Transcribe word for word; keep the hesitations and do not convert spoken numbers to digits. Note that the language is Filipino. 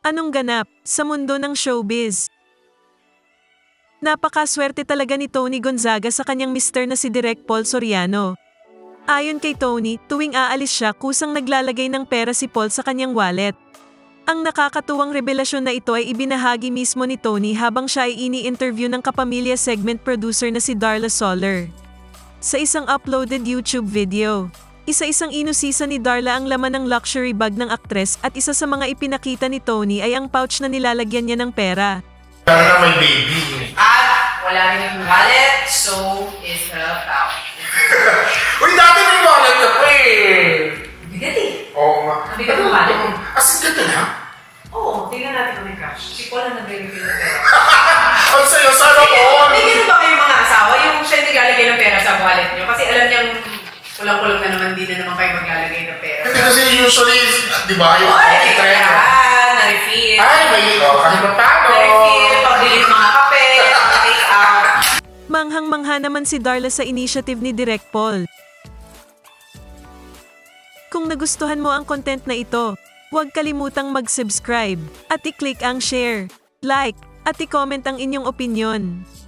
Anong ganap sa mundo ng showbiz? Napakaswerte talaga ni Tony Gonzaga sa kanyang mister na si Direk Paul Soriano. Ayon kay Tony, tuwing aalis siya kusang naglalagay ng pera si Paul sa kanyang wallet. Ang nakakatuwang revelasyon na ito ay ibinahagi mismo ni Tony habang siya ay ini-interview ng kapamilya segment producer na si Darla Soler. Sa isang uploaded YouTube video, isa-isang inusisa ni Darla ang laman ng luxury bag ng aktres at isa sa mga ipinakita ni Tony ay ang pouch na nilalagyan niya ng pera. Para na may baby. At wala rin yung wallet, so is the pouch. Uy, dati may wallet na po eh. Bigat eh. Oo nga. Ang bigat ng wallet. As in, ganito na? Oo, tingnan natin kung may crush. Si Paul ang nag-reveal ng pera. Ang sayo, sana all. May ganun ba kayong mga asawa? Yung siya naglalagay ng pera sa wallet niyo? Kasi alam niyang kulang-kulang na naman, di na naman kayo maglalagay ng pera. Hindi kasi usually, di ba, yung Ay, okay trend. ah, na-refill. Ay, may oh, kahit pa paano. Na-refill, pag-delete mga kape, pag-take out. Manghang-mangha naman si Darla sa initiative ni Direk Paul. Kung nagustuhan mo ang content na ito, huwag kalimutang mag-subscribe at i-click ang share, like, at i-comment ang inyong opinyon.